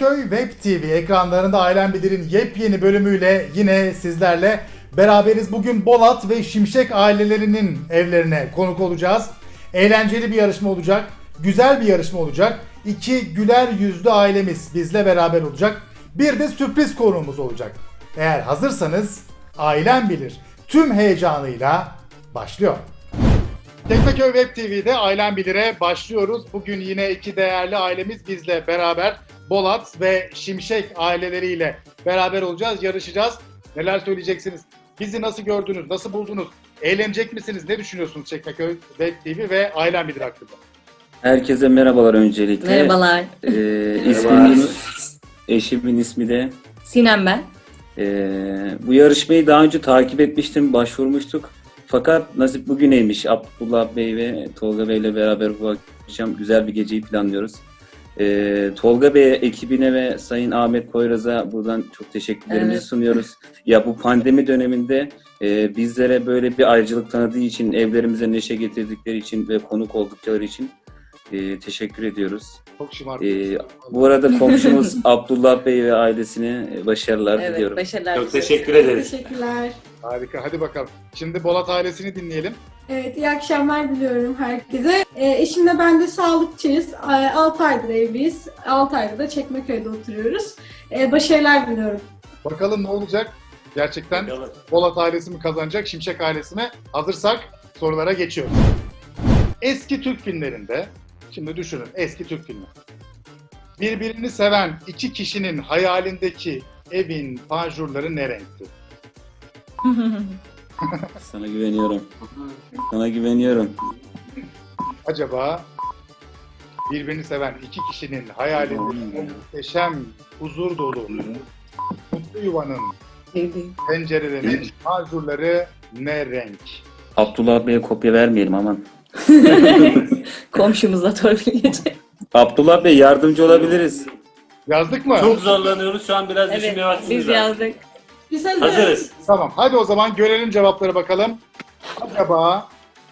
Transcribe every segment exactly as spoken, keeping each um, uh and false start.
Çekmeköy Web T V ekranlarında Ailem Bilir'in yepyeni bölümüyle yine sizlerle beraberiz. Bugün Bolat ve Şimşek ailelerinin evlerine konuk olacağız. Eğlenceli bir yarışma olacak, güzel bir yarışma olacak. İki güler yüzlü ailemiz bizle beraber olacak. Bir de sürpriz konuğumuz olacak. Eğer hazırsanız Ailem Bilir tüm heyecanıyla başlıyor. Çekmeköy Web T V'de Ailem Bilir'e başlıyoruz. Bugün yine iki değerli ailemiz bizle beraber Bolat ve Şimşek aileleriyle beraber olacağız, yarışacağız. Neler söyleyeceksiniz? Bizi nasıl gördünüz, nasıl buldunuz? Eğlenecek misiniz? Ne düşünüyorsunuz Çekmeköy Web T V ve Ailem Bilir hakkında? Herkese merhabalar öncelikle. Merhabalar. Ee, ismim Yunus. Eşimin ismi de Sinem ben. Ee, bu yarışmayı daha önce takip etmiştim, başvurmuştuk. Fakat nasip bugüneymiş. Abdullah Bey ve Tolga Bey ile beraber bu akşam güzel bir geceyi planlıyoruz. Ee, Tolga Bey ekibine ve Sayın Ahmet Koyraz'a buradan çok teşekkürlerimizi Evet. sunuyoruz. Ya bu pandemi döneminde e, bizlere böyle bir ayrıcalık tanıdığı için, evlerimize neşe getirdikleri için ve konuk oldukları için e, teşekkür ediyoruz. Çok şımarık. Ee, bu arada komşumuz Abdullah Bey ve ailesine başarılar Evet, diliyorum. başarılar. Çok teşekkür ederiz. Teşekkürler. Harika, hadi bakalım. Şimdi Bolat ailesini dinleyelim. Evet, iyi akşamlar diliyorum herkese. E, eşimle ben de sağlıkçıyız. altı aydır evliyiz. altı aydır da Çekmeköy'de oturuyoruz. E, başarılar diliyorum. Bakalım ne olacak? Gerçekten Bakalım. Bolat ailesi mi kazanacak, Şimşek ailesi mi? Hazırsak sorulara geçiyoruz. Eski Türk filmlerinde, şimdi düşünün eski Türk filmi. Birbirini seven iki kişinin hayalindeki evin panjurları ne renkti? Sana güveniyorum. Sana güveniyorum. Acaba birbirini seven iki kişinin hayalindeki o muhteşem, huzur dolu, mutlu yuvanın pencerelerinin panjurları ne renk? Abdullah Bey'e kopya vermeyelim aman. Komşumuza torpil geçecek. Abdullah Bey yardımcı olabiliriz. Yazdık mı? Çok zorlanıyoruz. Şu an biraz Evet, düşünmeye vaktimiz biz var. yazdık. Biz hazırız. Hazırız. Tamam, hadi o zaman görelim cevapları bakalım. Acaba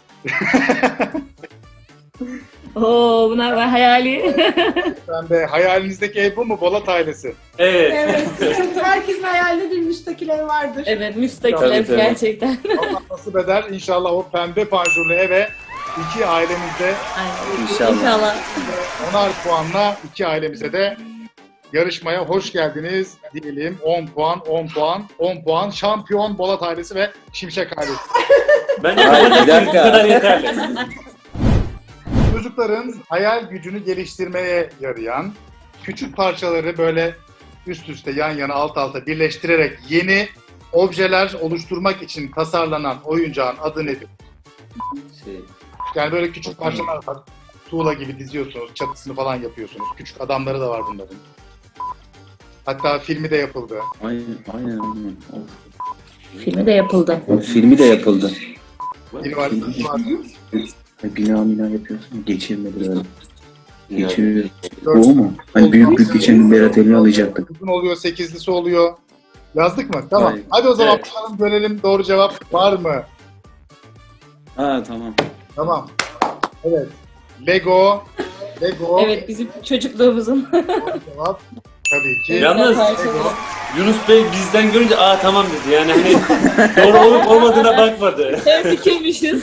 Oo, bunlar var hayali. pembe hayalinizdeki ev bu mu Bolat ailesi? Evet. Evet, çünkü herkesin hayalinde bir müstakil ev vardır. Evet, müstakil Tabii, ev tabii. gerçekten. Allah nasip eder. İnşallah o pembe panjurlu eve iki ailemizde Aynen. İnşallah. İnşallah. onar puanla iki ailemize de yarışmaya hoş geldiniz diyelim. on puan, on puan, on puan. Şampiyon Bolat ailesi ve Şimşek ailesi. Bence Hayır, bir bu dakika. kadar yeterli. Çocukların hayal gücünü geliştirmeye yarayan küçük parçaları böyle üst üste yan yana alt alta birleştirerek yeni objeler oluşturmak için tasarlanan oyuncağın adı nedir? Şey, Yani böyle küçük parçalar var. Tuğla gibi diziyorsunuz, çatısını falan yapıyorsunuz. Küçük adamları da var bunların. Hatta filmi de yapıldı. aynen, aynen, aynen. Of. Filmi de yapıldı. Filmi de yapıldı. Üniversitesi var. Bina bina yapıyorsun, geçirmedi böyle. Geçiriyor. Dört- O mu? Hani büyük büyük geçen Berat elini alacaktık. Uzun oluyor, sekizlisi oluyor. Yazdık mı? Tamam. Hayır. Hadi o zaman Evet. bakalım görelim doğru cevap var mı? Ha tamam. Tamam. Evet. Lego. Lego. Evet, bizim çocukluğumuzun. Doğru cevap. Tabii ki. Yalnız Lego. Yunus Bey bizden görünce aa tamam dedi. Yani hani doğru olup olmadığına bakmadı. Hem fikirmişiz.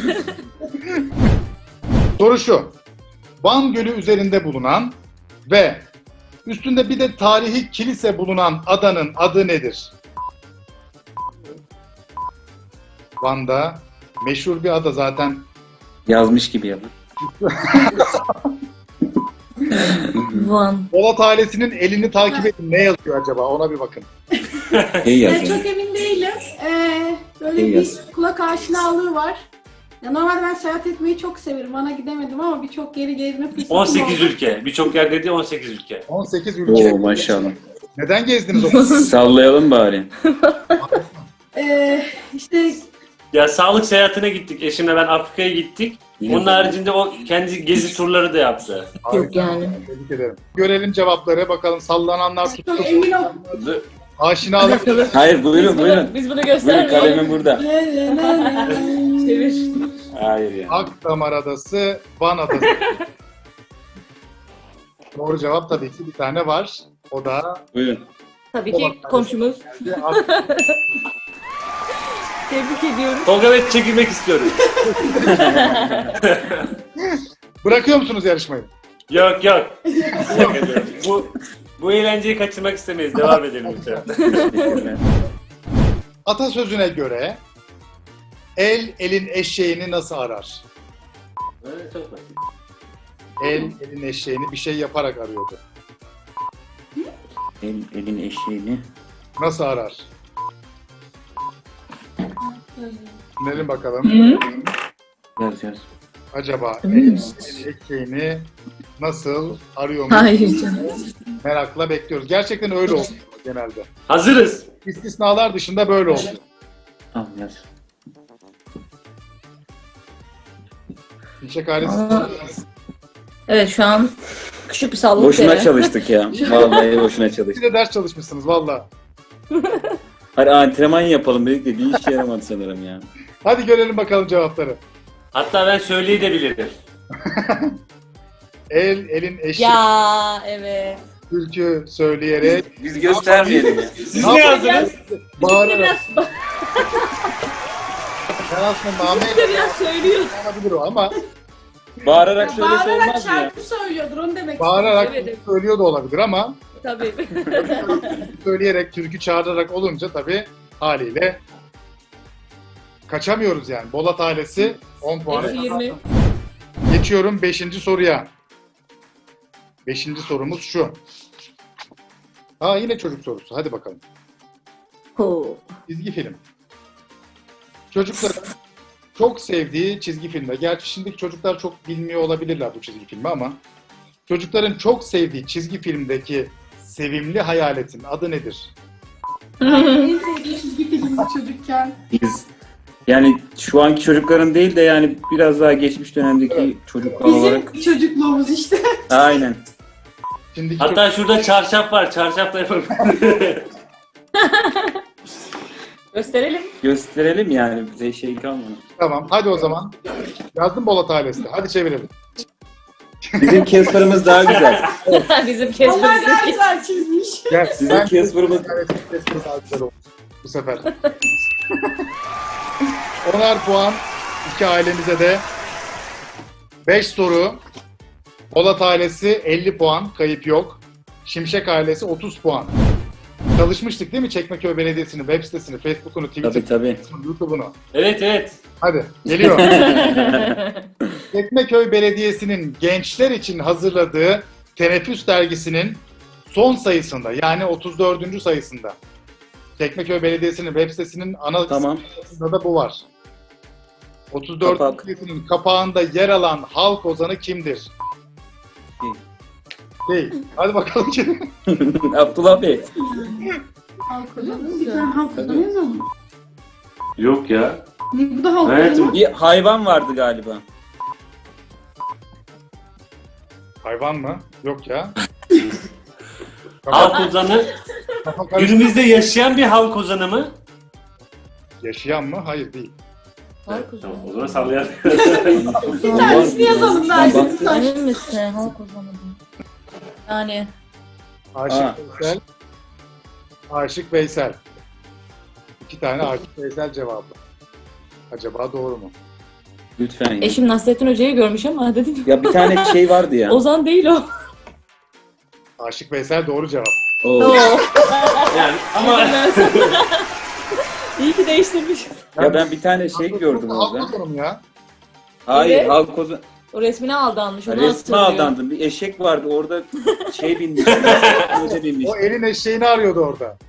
Soru şu. Van Gölü üzerinde bulunan ve üstünde bir de tarihi kilise bulunan adanın adı nedir? Van'da meşhur bir ada zaten. Yazmış gibi yapın. Van. Bolat ailesinin elini takip edin. Ne yazıyor acaba? Ona bir bakın. İyi Ben yazın. çok emin değilim. Ee, böyle İyi bir yaz. kulak aşinalığı var. Ya normalde ben seyahat etmeyi çok severim. Van'a gidemedim ama birçok yeri gezme fırsatım on sekiz oldu. ülke. Birçok yer dedi on sekiz ülke. on sekiz ülke. Oo maşallah. Neden gezdiniz o kadar? Sallayalım bari. Ee, işte Ya sağlık seyahatine gittik. Eşimle ben Afrika'ya gittik. Onun haricinde o kendi gezi turları da yaptı. Yok yani. Tebrik ederim. Görelim cevapları. Bakalım sallananlar tuttu. çok emin ol. Aşinalık. Hayır Biz buyurun bunu, buyurun. biz bunu Buyurun göstermeyelim. kalemim burada. Çevir. Hayır ya. Akdamar Adası, Van Adası. Doğru cevap tabii ki bir tane var. O da Buyurun. Tabii ki komşumuz. Tebrik ediyoruz. Tolga Bey çekilmek istiyorum. Bırakıyor musunuz yarışmayı? Yok yok. Şaka ediyorum. bu, bu eğlenceyi kaçırmak istemeyiz. Devam edelim lütfen. Teşekkürler. Atasözüne göre el elin eşeğini nasıl arar? Evet, çok basit. El elin eşeğini bir şey yaparak arıyordu. El, elin eşeğini. Nasıl arar? Dinleyelim bakalım. Hı? Yaz yaz. Acaba el Emin elin misiniz? eşeğini nasıl arıyor mu? Hayır canım. Merakla bekliyoruz. Gerçekten öyle oluyor genelde. Hazırız. İstisnalar dışında böyle oluyor. Tamam yaz. Şimşek ailesi. Aa. Evet şu an küçük bir sallık Boşuna yere. çalıştık ya. Vallahi boşuna Siz çalıştık. de ders çalışmışsınız valla. Hadi antrenman yapalım dedik de bir işe yaramadı sanırım ya. Hadi görelim bakalım cevapları. Hatta ben söyleyebilirim. El elin eşeği Ya evet. türkü söyleyerek Biz göstermeyelim ya. Siz ne yazdınız? bağırarak. Biraz, Ben aslında nameyle biraz söylüyor. olabilir o ama Bağırarak söylese Bağırarak olmaz mı ya? şarkı söylüyordur onu demek bağırarak Evet, evet. söylüyor da olabilir ama Tabii. söyleyerek, türkü çağırarak olunca tabii haliyle kaçamıyoruz yani. Bolat ailesi on puan. Eksi yirmi. Geçiyorum beşinci soruya. beşinci sorumuz şu. Ha yine çocuk sorusu. Hadi bakalım. Ho. Çizgi film. Çocukların çok sevdiği çizgi filmler. Gerçi şimdiki çocuklar çok bilmiyor olabilirler bu çizgi filmi ama çocukların çok sevdiği çizgi filmdeki sevimli hayaletin adı nedir? En sevdiğim çizgi filmdi çocukken. Biz yani şu anki çocukların değil de yani biraz daha geçmiş dönemdeki Evet. çocuklar olarak. Bizim çocukluğumuz işte. Aynen. Şimdiki Hatta şurada çarşaf var. Çarşafla yapalım. Gösterelim. Gösterelim yani bize şey kalmadı. Tamam hadi o zaman. Yazdım Bolat ailesi. Hadi çevirelim. Bizim Casper'ımız daha güzel. Bizim Onlar daha kesmemiz. güzel çizmiş. Gel. Bizim Ben Casper'ımız Evet, Casper daha güzel oldu bu sefer. Onar puan iki ailemize de. beş soru. Bolat ailesi elli puan. Kayıp yok. Şimşek ailesi otuz puan. Çalışmıştık değil mi? Çekmeköy Belediyesi'nin web sitesini, Facebook'unu, tabii Twitter'ını, tabii. YouTube'unu. Evet evet. Hadi geliyor. Çekmeköy Belediyesi'nin gençler için hazırladığı Teneffüs dergisinin son sayısında yani otuz dördüncü sayısında Çekmeköy Belediyesi'nin web sitesinin ana Tamam. sayısında da bu var. otuz dördüncü Kapak. sayısının kapağında yer alan halk ozanı kimdir? Değil. Değil. Hadi bakalım kim? Abdullah Bey. Halk ozanı. Bir tane halk ozanı yazalım. Yok ya. Ne bu da halk Evet. ozanı? Bir hayvan vardı galiba. Hayvan mı? Yok ya. Halk ozanı. Kafa karıştı. Günümüzde yaşayan bir halk ozanı mı? Yaşayan mı? Hayır değil. Halk Tamam, o ozanı. zaman sallayalım. Bir tanesini yazalım Ben belki. baktım. Emin misin? Halk ozanı. Yani Aşık Aa. Veysel. Aşık Veysel. İki tane Aşık Veysel cevabı. Acaba doğru mu? Lütfen ya. eşim Nasrettin Hoca'yı görmüş ama dedim. Ya bir tane şey vardı ya. Ozan değil o. Aşık Veysel doğru cevap. Oo. Oo. Yani ama İyi ki değiştirmiş. Ya ben bir tane şey gördüm Halk orada. ozanım ya. Hayır, Evet. halk ozan. O resmine aldanmış. Onu Resme hatırlıyor. aldandım. Bir eşek vardı orada şey binmiş. Hoca binmiş. O elin eşeğini arıyordu orada.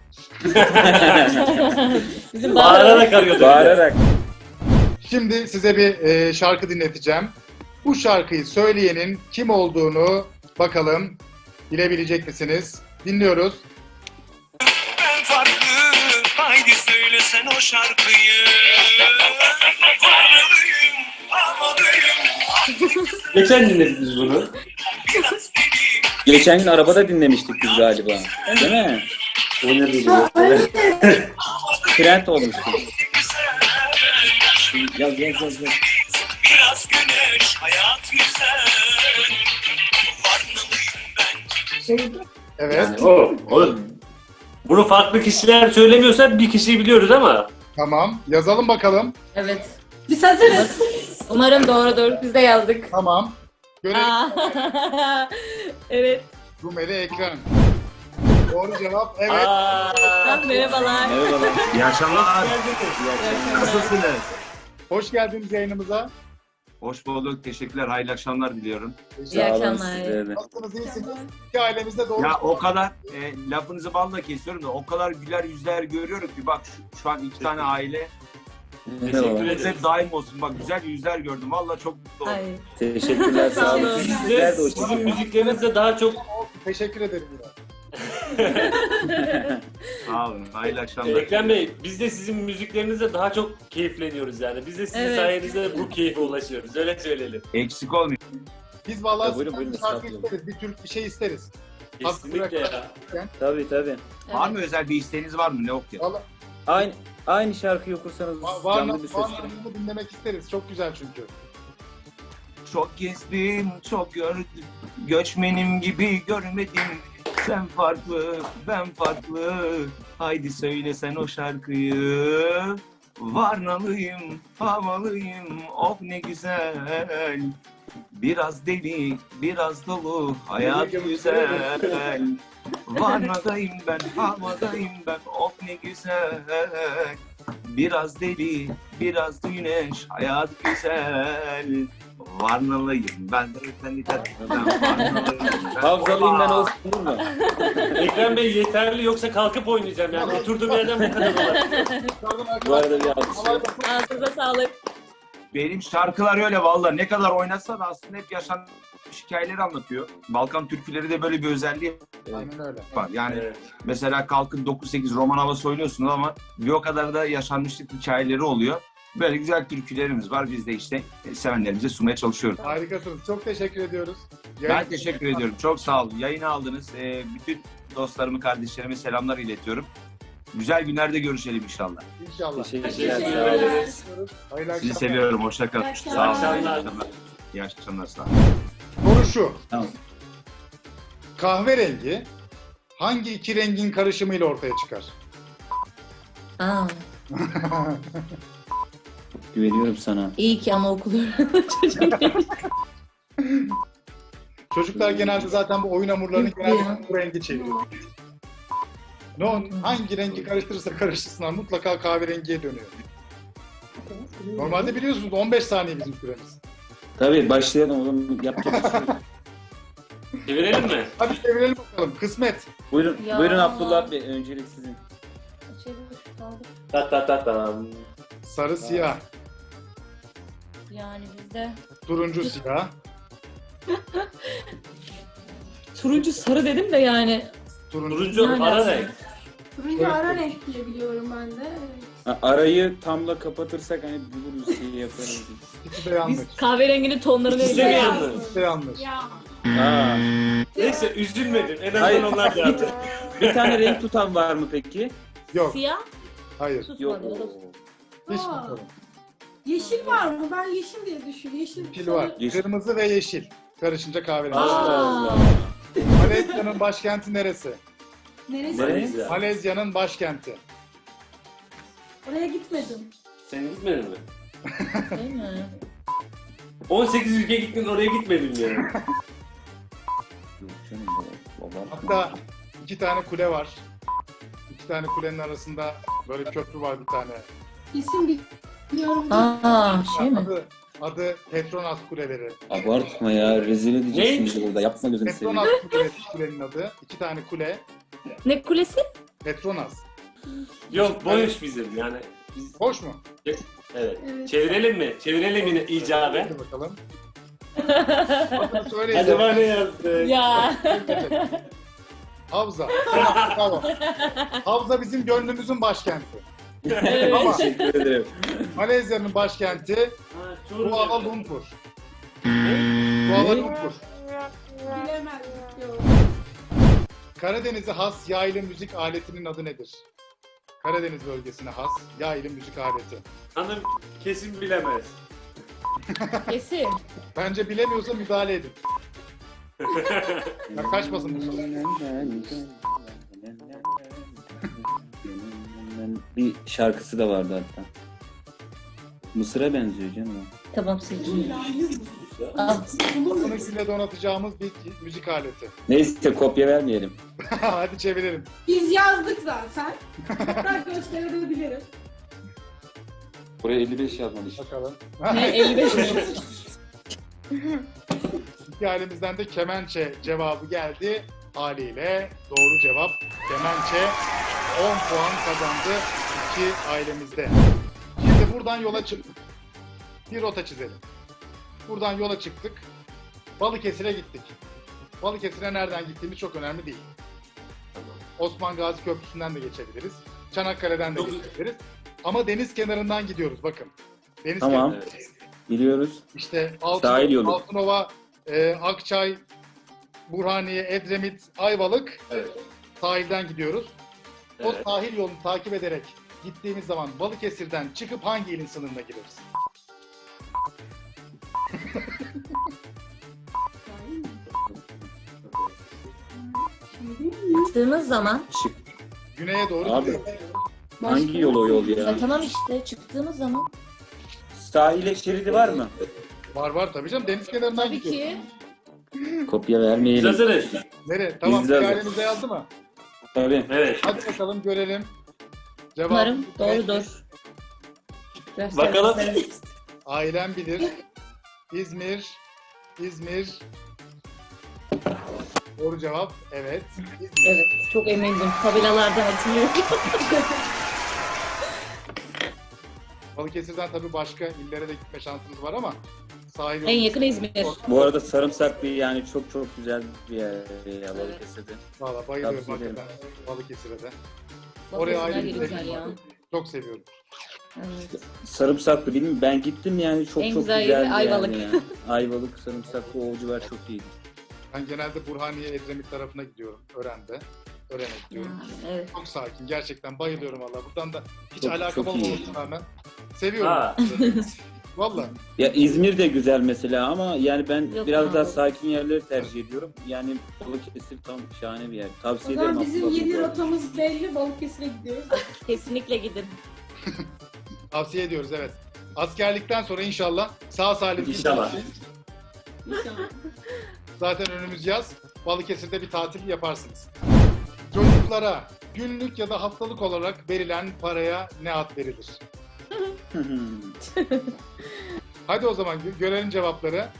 Bizim bağırarak arıyordu. Bağırarak. Şimdi size bir e, şarkı dinleteceğim. Bu şarkıyı söyleyenin kim olduğunu bakalım bilebilecek misiniz? Dinliyoruz. Ben farklı, haydi söyle sen o şarkıyı. Varlıyım, havalıyım. geçen dinledik biz bunu. Biraz deli, Geçen gün arabada dinlemiştik biz galiba. Değil mi? O ne biliyor? Trend olmuştu. güzel. Yaz yaz yaz. yaz. Biraz güneş, hayat güzel. Varlıyım ben. Evet. Yani o, o. Bunu farklı kişiler söylemiyorsa bir kişiyi biliyoruz ama. Tamam. Yazalım bakalım. Evet. Biz hazırız. Umarım doğrudur. Biz de yazdık. Tamam. Görelim. Aa. Evet. Rumeli Ekrem. Doğru cevap evet. Aa, Merhabalar. Merhabalar. İyi akşamlar. Nasılsınız? Nasılsınız? Hoş geldiniz yayınımıza. Hoş bulduk. Teşekkürler. Hayırlı akşamlar diliyorum. İyi Sağ olun akşamlar. sizlere de. Nasılsınız? İyisiniz? İki ailemizde doğru. Ya o kadar e, lafınızı balla kesiyorum da o kadar güler yüzler görüyorum ki bak şu, şu an iki tane aile Teşekkür Merhabalar. ederiz. hep daim olsun. Bak güzel yüzler gördüm. Valla çok mutlu oldum. Ay. Teşekkürler sağ olun. Sağ olun. Biz Sizler de de hoş sizin geldiniz. müziklerinizde daha çok Teşekkür ederim. Yine. Sağ olun. Hayırlı akşamlar. Ekrem Bey, biz de sizin müziklerinizde daha çok keyifleniyoruz yani. Biz de sizin Evet. sayenizde bu keyfe ulaşıyoruz. Öyle söyleyelim. Eksik olmayın. Biz vallahi Ya buyurun, sizden buyurun, bir şarkı estağfurullah. isteriz. Bir Türk bir şey isteriz. Kesinlikle ya. Tabii tabii. Var mı özel bir isteğiniz var mı? Ne okuyalım? Vallahi Aynı aynı şarkıyı okursanız va- var canlı mı? bir ses. Var mı? Dinlemek isteriz. Çok güzel çünkü. Çok gezdim, çok gördüm. Göçmenim gibi görmedim. Sen farklı, ben farklı. Haydi söyle sen o şarkıyı. Varnalıyım, havalıyım. Oh ne güzel. Biraz deli, biraz dolu. Hayat güzel. Varnadayım ben, havadayım ben. Oh ne güzel. Biraz deli, biraz da güneş. Hayat güzel. Varnalıyım ben de sen Hafızalıyım ben olsun olur mu? Ekrem Bey yeterli yoksa kalkıp oynayacağım yani. Oturduğum yerden bu kadar olur. Bu arada bir alkış. Ağzınıza sağlık. Benim şarkılar öyle valla ne kadar oynatsa da aslında hep yaşanmış hikayeleri anlatıyor. Balkan türküleri de böyle bir özelliği Aynen öyle. var. Yani Evet. mesela kalkıp dokuz sekiz roman havası oynuyorsunuz ama bir o kadar da yaşanmışlık hikayeleri oluyor. Böyle güzel türkülerimiz var. Biz de işte sevenlerimize sunmaya çalışıyoruz. Harikasınız. Çok teşekkür ediyoruz. Ben Yayın- teşekkür ediyorum. Çok sağ olun. Yayını aldınız. Ee, bütün dostlarımı, kardeşlerime selamlar iletiyorum. Güzel günlerde görüşelim inşallah. İnşallah. Teşekkürler Teşekkür sağ olun. ederiz. Hayırlı Sizi akşamlar. seviyorum. Hoşça kalın. İyi Sağ olun. akşamlar. İyi akşamlar. İyi akşamlar. Sağ olun. Soru şu. Tamam. Kahverengi hangi iki rengin karışımıyla ortaya çıkar? Aa, Güveniyorum sana. iyi ki anaokulu çocuğum benim. Çocuklar genelde zaten bu oyun hamurlarını Yok ya. genelde bu rengi çeviriyor. Ne o- hangi rengi karıştırırsa karıştırsınlar mutlaka kahverengiye dönüyor. Normalde biliyorsunuz on beş saniye bizim süremiz. Tabii başlayalım o zaman yapacak bir şey yok. Çevirelim mi? Hadi çevirelim bakalım. Kısmet. Buyurun, Ya. buyurun Abdullah Bey öncelik sizin. Ta ta ta tam. Sarı siyah. Yani bizde Turuncu siyah. turuncu sarı dedim de yani. Turuncu. Turuncu Yani ara aslında. renk. Turuncu ara renk diye biliyorum ben de. Evet. Ha, arayı tamla kapatırsak hani buluruz şey yaparız. İkisi de yanlış. Biz kahverenginin tonlarını İkisi de mi biliyoruz. yanlış? İkisi de yanlış. Ya. Aa, Neyse üzülmedim. En Hayır. azından onlar da yaptı. bir tane renk tutan var mı peki? Yok. Siyah, Hayır. Yok. susmadı. Hiç Aa. bakalım. Yeşil var mı? Ben yeşil diye düşünüyorum. Yeşil, Yeşil sarı- var. Yeşil. Kırmızı ve yeşil. Karışınca kahverengi. Allah Allah. Malezya'nın başkenti neresi? Neresi? Nereye? Malezya. Malezya'nın başkenti. Oraya gitmedim. Sen gitmedin mi? Değil mi? on sekiz ülke gittin oraya gitmedin yani. Yok canım, babam. Hatta iki tane kule var. İki tane kulenin arasında böyle köprü var bir tane. İsim biliyorum. Aa, şey mi? Adı, adı Petronas Kuleleri. Abartma ya, rezil edeceksin bizi burada. Yapma gözünü seveyim. Petronas Kuleleri kulenin adı. İki tane kule. Ne kulesi? Petronas. Yok boş bizim yani. Biz, Hoş mu? evet. Evet. Çevirelim mi? Çevirelim yine icabe. Hadi bakalım. Adını söyleyin. Acaba ne yazdık? Ya. Havza. Tamam, bravo. Havza bizim gönlümüzün başkenti. Ama Teşekkür ederim. Malezya'nın başkenti Ha, Çorlu. Kuala Lumpur. Kuala Lumpur. Bilemezdik. Yok. Karadeniz'e has yaylı müzik aletinin adı nedir? Karadeniz bölgesine has yaylı müzik aleti. Hanım kesin bilemez. Kesin. Bence bilemiyorsa müdahale edin. Ya kaçmasın bu soru. Bir şarkısı da vardı hatta. Mısır'a benziyor canım o. Tamam sildim. Al. Sınırsıyla donatacağımız bir müzik aleti. Neyse kopya vermeyelim. Hadi çevirelim. Biz yazdık zaten. Hatta gösterebilirim. Buraya elli beş yazmamış. Bakalım. Ne, elli beş mi? İki ailemizden de kemençe cevabı geldi. Haliyle doğru cevap kemençe. on puan kazandı iki ailemizde. Şimdi buradan yola çıktık. Bir rota çizelim. Buradan yola çıktık. Balıkesir'e gittik. Balıkesir'e nereden gittiğimiz çok önemli değil. Osman Gazi Köprüsü'nden de geçebiliriz. Çanakkale'den de geçebiliriz. Ama deniz kenarından gidiyoruz bakın. Deniz Tamam. kenarı. Biliyoruz. İşte Sahil yolu. Altın, Altınova, e, Akçay, Burhaniye, Edremit, Ayvalık Evet. sahilden gidiyoruz. O Evet. sahil yolunu takip ederek gittiğimiz zaman Balıkesir'den çıkıp hangi ilin sınırına gireriz? Çıktığımız zaman. Şık. Güneye doğru Abi. gidiyoruz. Hangi yol o yol ya? Ya tamam işte çıktığımız zaman. Sahile şeridi var mı? Var var tabii canım. Deniz kenarından Tabii gidiyoruz. ki. Kopya Biz vermeyelim. hazırız. Nereye? Tamam. Biz de hazırız. Hikayemize yazdı mı? Tabii. Evet. Hadi bakalım görelim. Cevap. Umarım doğrudur. Göster, Bakalım. göster. Ailem bilir. İzmir. İzmir. Doğru cevap. Evet. İzmir. Evet, çok emindim. Tabelalardan hatırlıyorum. Balıkesir'den tabii başka illere de gitme şansınız var ama sahil yolu. En yakın İzmir. Bu arada Sarımsaklı yani çok çok güzel bir yer ya Balıkesir'de. Valla bayılıyorum Tavsiye ederim. hakikaten Balıkesir'e de. Oraya Balıkesirler ayrı bir yeri güzel sevgim ya. var. Çok seviyorum. Evet. Sarımsaklı bilmiyorum ben gittim yani çok En çok güzel güzel yeri Ayvalık. Yani. Ayvalık, Sarımsaklı, o civar çok iyiydi. Ben genelde Burhaniye, Edremit tarafına gidiyorum. Ören'de. Ören'e gidiyorum. Ha, evet. Çok sakin. Gerçekten bayılıyorum valla. Buradan da hiç Çok- alakam çok iyi. olmamasına rağmen seviyorum. Ha. Valla. Ya İzmir de güzel mesela ama yani ben Yok biraz ya. daha sakin yerleri tercih ediyorum. Yani Balıkesir tam şahane bir yer. O Tavsiye ederim. zaman bizim Abdullah yeni Bey. rotamız belli. Balıkesir'e gidiyoruz. Kesinlikle gidin. Tavsiye ediyoruz evet. Askerlikten sonra inşallah sağ salim İnşallah. İnşallah. Zaten önümüz yaz. Balıkesir'de bir tatil yaparsınız. Çocuklara günlük ya da haftalık olarak verilen paraya ne ad verilir? Hadi o zaman gö- görelim cevapları.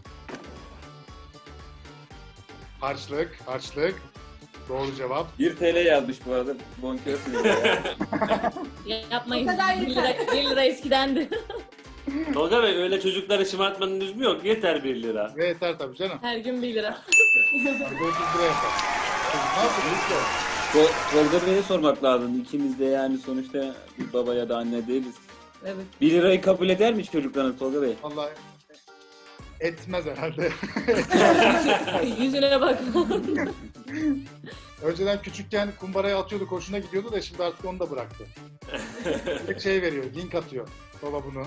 Harçlık, harçlık. Doğru cevap. bir T L yazmış bu arada. Bonkörsünüz ya. Ya, yapmayın. O kadar bir yeter. lira, bir lira eskidendi. Tolga Bey öyle çocukları şımartmanın lüzumu yok. Yeter bir lira. Ve yeter tabii canım. Her gün bir lira. Hadi otuz lira yapar. Çocuk ne yapıyor? Hiç yok. Tol- Tolga Bey'e sormak lazım. İkimiz de yani sonuçta bir baba ya da anne değiliz. Evet. bir lirayı kabul eder mi çocuklarınız Tolga Bey? Vallahi etmez herhalde. Yüzüne bak. Önceden küçükken kumbaraya atıyordu, hoşuna gidiyordu da şimdi artık onu da bıraktı. Bir şey veriyor, link atıyor. Baba bunu.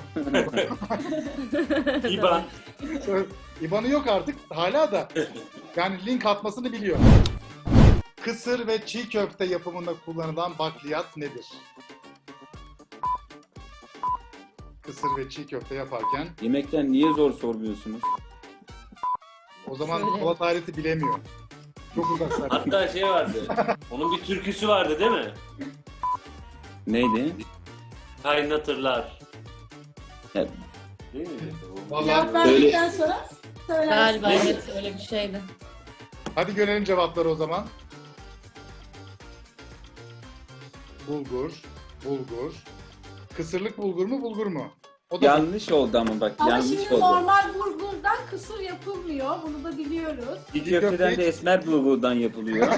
İban. İban'ı yok artık hala da. Yani link atmasını biliyor. Kısır ve çiğ köfte yapımında kullanılan bakliyat nedir? Kısır ve çiğ köfte yaparken Yemekten niye zor sormuyorsunuz? o zaman Söyle. Polat aleti bilemiyor. Çok uzaklar. Hatta şey vardı. Onun bir türküsü vardı değil mi? Neydi? Kaynatırlar. Ya, Değil mi? Vallahi Cevap verdikten sonra söylersin. Galiba evet öyle bir şeydi. hadi görelim cevapları o zaman. Bulgur, bulgur. Kısırlık bulgur mu, bulgur mu? O da yanlış oldu ama bak Ama yanlış şimdi oldu. normal bulgurdan kısır yapılmıyor. Bunu da biliyoruz. Çiğ köfteden de esmer bulgurdan yapılıyor.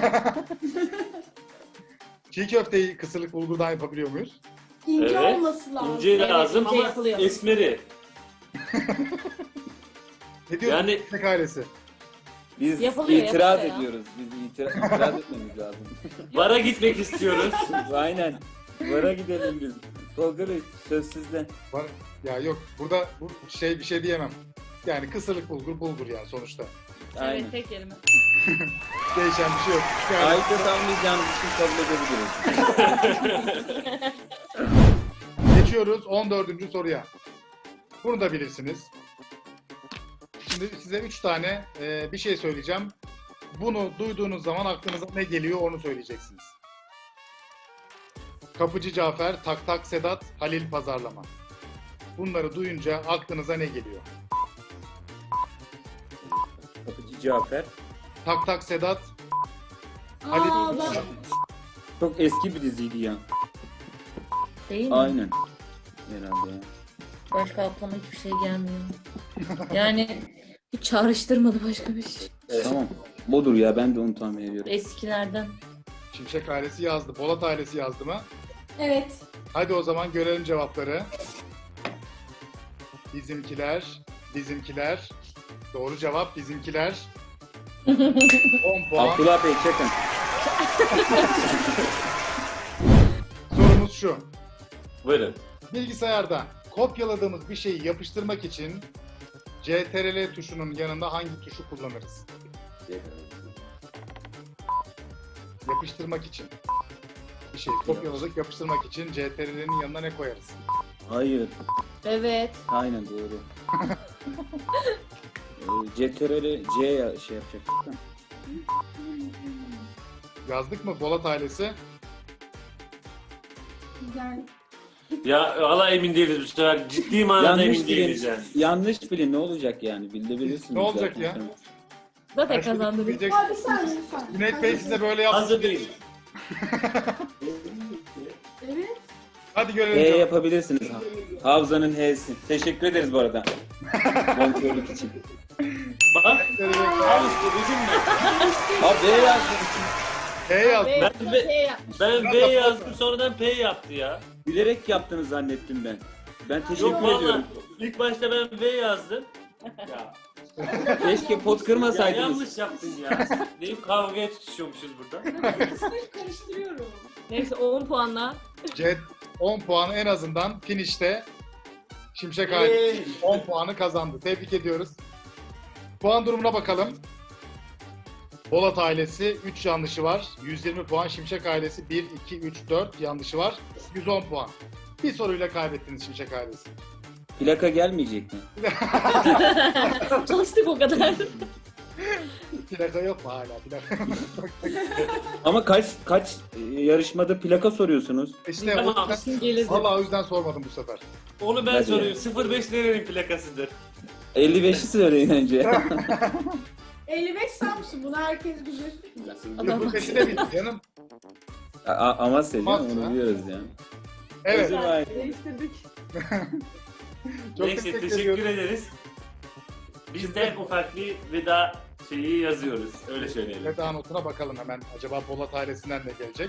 çiğ köfteyi kısırlık bulgurdan yapabiliyor muyuz? İnce Evet. olması lazım. İnce Evet, lazım ince ama yapılıyor. esmeri. Ne diyorsun Yani- ekmek ailesi? Biz Yapılıyor, itiraz yapılıyor ya. ediyoruz. Biz itira- itiraz etmemiz lazım. Vara gitmek istiyoruz. Aynen. Vara gidelim biz. Tolga Bey söz sizde. Var. Ya yok burada bu şey bir şey diyemem. Yani kısırlık bulgur bulgur yani sonuçta. Aynen. Evet, tek kelime. Değişen bir şey yok. Yani Ayıpta tamamlayacağınız için kabul edebiliriz. geçiyoruz on dördüncü soruya. Bunu da bilirsiniz. Şimdi size üç tane e, bir şey söyleyeceğim. Bunu duyduğunuz zaman aklınıza ne geliyor onu söyleyeceksiniz. Kapıcı Cafer, Tak Tak Sedat, Halil Pazarlama. Bunları duyunca aklınıza ne geliyor? Kapıcı Cafer. Tak Tak Sedat, Aa, Halil ben, Çok eski bir diziydi ya. Değil mi? Aynen. Herhalde ya. Başka aklıma hiçbir şey gelmiyor. Yani hiç çağrıştırmadı başka bir şey. Tamam. Budur ya, ben de onu tahmin ediyorum. Eskilerden. Şimşek ailesi yazdı. Polat ailesi yazdı mı? evet. Hadi o zaman görelim cevapları. Bizimkiler, bizimkiler. Doğru cevap bizimkiler. on puan. Abdullah Bey çekin. Sorumuz şu. Buyurun. Bilgisayarda kopyaladığımız bir şeyi yapıştırmak için C T R L tuşunun yanında hangi tuşu kullanırız? Yapıştırmak için. Bir şey kopyaladık, yapıştırmak için C T R L'nin yanına ne koyarız? Hayır. Evet. Aynen doğru. Ee, C T R L C ya şey yapacaktık da. Yazdık mı Polat ailesi? Yani Ya valla emin değiliz bu sefer. Ciddi manada Yanlış emin değiliz bilin. yani. Yanlış bilin ne olacak yani? Bilebilirsiniz. Ne olacak zaten. ya? Zaten Her şeyi kazandınız. bilecek- Abi bir saniye bir saniye. Cüneyt Bey size böyle yaptı. Hazır değil. Evet. Hadi H görelim. cevabı. yapabilirsiniz. Havzanın H'si. Teşekkür ederiz bu arada. Kontrolük için. Bak. Al işte bizim mi? Abi B yazdım. H yazdı. Ve Ben de- P yapmış. Ben Biraz B da yazdım sonradan P yaptı ya. Bilerek yaptığını zannettim ben. Ben teşekkür Yok valla. ediyorum. İlk başta ben V yazdım. Ya, Keşke pot ya kırmasaydınız. yanlış yaptın ya. Deyip kavgaya tutuşuyormuşuz burada. İkisini karıştırıyorum. Neyse on puanla. C on puanı en azından finişte Şimşek ailesi on puanı kazandı. Tebrik ediyoruz. Puan durumuna bakalım. Polat ailesi üç yanlışı var. yüz yirmi puan. Şimşek ailesi bir, iki, üç, dört yanlışı var. yüz on puan. Bir soruyla kaybettiniz Şimşek ailesi. Plaka gelmeyecek mi? Çalıştık o kadar. Plaka yok mu hala? Plaka. Ama kaç kaç e, yarışmada plaka soruyorsunuz? İşte o Tamam. yüzden, Gelirdi. vallahi o yüzden sormadım bu sefer. Onu ben Hadi soruyorum. sıfır beş nerenin plakasıdır? elli beşi söyleyin önce. elli beş Samsun, bunu herkes bilir. Adam. Peşine bildi canım. A- A- Amasya değil mi? Amasya. Onu biliyoruz yani. Evet. Özür dilerim. Değiştirdik. Çok Neyse teşekkür, teşekkür ediyorum. ederiz. Biz de ufak bir veda şeyi yazıyoruz. Öyle söyleyelim. Veda notuna bakalım hemen. Acaba Polat ailesinden ne gelecek?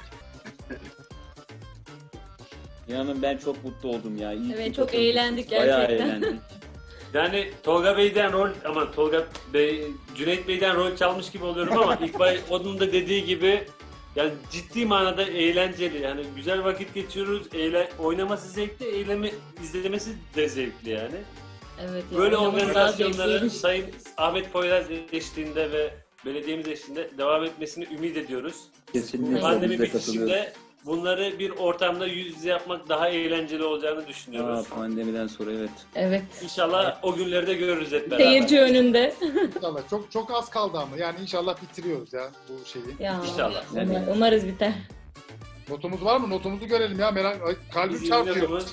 İnanın ben çok mutlu oldum ya. İyi Evet, ki çok katıldım. eğlendik Bayağı gerçekten. eğlendik. Yani Tolga Bey'den rol ama Tolga Bey, Cüneyt Bey'den rol çalmış gibi oluyorum ama ilk baş onun da dediği gibi yani ciddi manada eğlenceli. Yani güzel vakit geçiriyoruz. Eğlen, oynaması zevkli, eylemi izlemesi de zevkli yani. Evet. ya, Böyle oynaması daha organizasyonları zevkliymiş. Sayın Ahmet Poyraz eşliğinde ve belediyemiz eşliğinde devam etmesini ümit ediyoruz. Kesinlikle Pandemi biz de katılıyoruz. bitişinde bunları bir ortamda yüz yüze yapmak daha eğlenceli olacağını düşünüyoruz. Aa, pandemiden sonra evet. Evet. İnşallah o günleri de görürüz hep beraber. Seyirci önünde. İnşallah. Çok çok az kaldı ama. Yani inşallah bitiriyoruz ya bu şeyi. Ya. İnşallah. Umar- Umarız biter. Notumuz var mı? Notumuzu görelim ya. Merak Ay, kalbim Biz çarpıyor. yayınladığımız-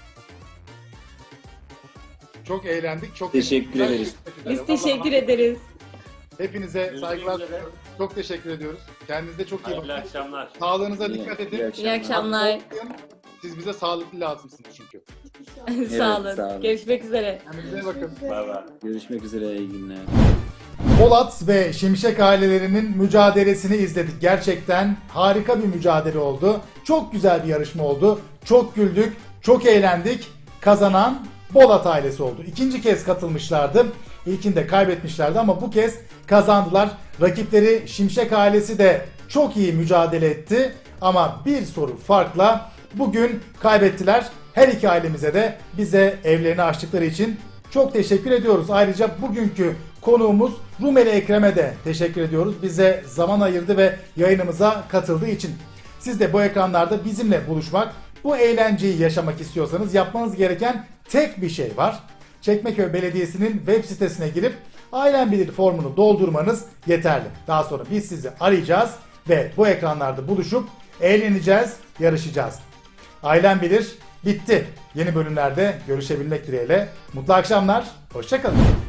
Çok eğlendik. Çok Teşekkür teşekkürler. ederiz. Biz teşekkür ederiz. Hepinize Görüşmek saygılar. üzere. Çok teşekkür ediyoruz. Kendinize çok iyi Hayırlı bakın. akşamlar. Sağlığınıza İyi- dikkat iyi edin. akşamlar. İyi akşamlar. Siz bize sağlıklı lazımsınız çünkü. Sağ olun. sağ olun. Görüşmek üzere. Kendinize bakın. Bay bay. Görüşmek üzere, iyi günler. Polat ve Şimşek ailelerinin mücadelesini izledik. Gerçekten harika bir mücadele oldu. Çok güzel bir yarışma oldu. Çok güldük, çok eğlendik. Kazanan Polat ailesi oldu. İkinci kez katılmışlardı. İlkinde kaybetmişlerdi ama bu kez kazandılar. Rakipleri Şimşek ailesi de çok iyi mücadele etti. Ama bir soru farkla bugün kaybettiler. Her iki ailemize de bize evlerini açtıkları için çok teşekkür ediyoruz. Ayrıca bugünkü Konuğumuz Rumeli Ekrem'e de teşekkür ediyoruz. Bize zaman ayırdı ve yayınımıza katıldığı için. Siz de bu ekranlarda bizimle buluşmak, bu eğlenceyi yaşamak istiyorsanız yapmanız gereken tek bir şey var. Çekmeköy Belediyesi'nin web sitesine girip Ailem Bilir formunu doldurmanız yeterli. Daha sonra biz sizi arayacağız ve bu ekranlarda buluşup eğleneceğiz, yarışacağız. Ailem Bilir bitti. Yeni bölümlerde görüşebilmek dileğiyle. Mutlu akşamlar, hoşça kalın.